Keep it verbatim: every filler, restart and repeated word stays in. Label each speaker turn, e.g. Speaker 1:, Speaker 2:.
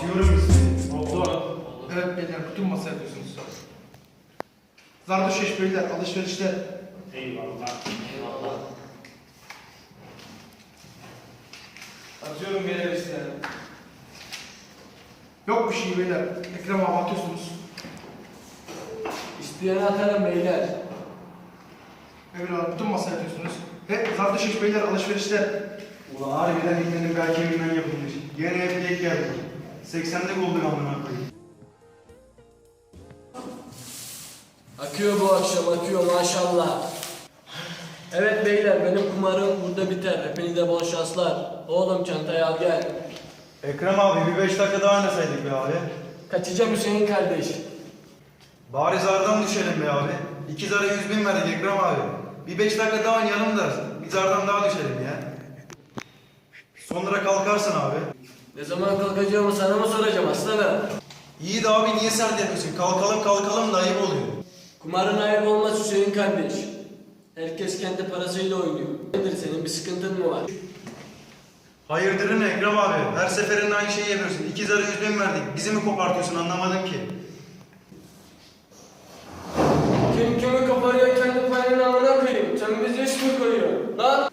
Speaker 1: Atıyorum ismi.
Speaker 2: Oldu.
Speaker 3: Evet beyler, bütün masaya atıyorsunuz. Zardı şeş beyler, alışverişler.
Speaker 2: Eyvallah. Eyvallah.
Speaker 4: Atıyorum beyler işte.
Speaker 3: Yok bir şey beyler, Ekrem abi atıyorsunuz.
Speaker 4: İsteyene atarım beyler.
Speaker 3: Emir abi bütün masaya atıyorsunuz. Ve zardı şeş beyler, alışverişler.
Speaker 1: Ulan harbiden ilmenin belki kemiğinden yapılmış. Gene hep tek geldi. seksende golduk amına koyayım.
Speaker 4: Akıyor bu akşam, akıyor maşallah. Evet beyler, benim kumarım burada biter. Hepinize bol şanslar. Oğlum çantayı al gel.
Speaker 1: Ekrem abi bir beş dakika daha oynasaydık be abi.
Speaker 4: Kaçacağım Hüseyin kardeş.
Speaker 1: Bari zardan düşelim be abi. İki zara yüz bin verdik Ekrem abi. Bir beş dakika daha oynayalım da bir zardan daha düşelim ya. Sonra kalkarsın abi.
Speaker 4: Ne zaman kalkacağımı sana mı soracağım aslanım?
Speaker 1: İyi de abi niye sert yapıyorsun? Kalkalım kalkalım da ayıp oluyor.
Speaker 4: Kumarın ayıp olmaz Hüseyin kardeş. Herkes kendi parasıyla oynuyor. Nedir senin bir sıkıntın mı var?
Speaker 1: Hayırdır ne Ekrem abi? Her seferinde aynı şeyi yapıyorsun. İki zara yüz bin verdik. Bizi mi kopartıyorsun anlamadım ki.
Speaker 4: Kim kimi koparıyor kendi payının amına koyayım. Sen bize iş mi koyuyorsun? Lan!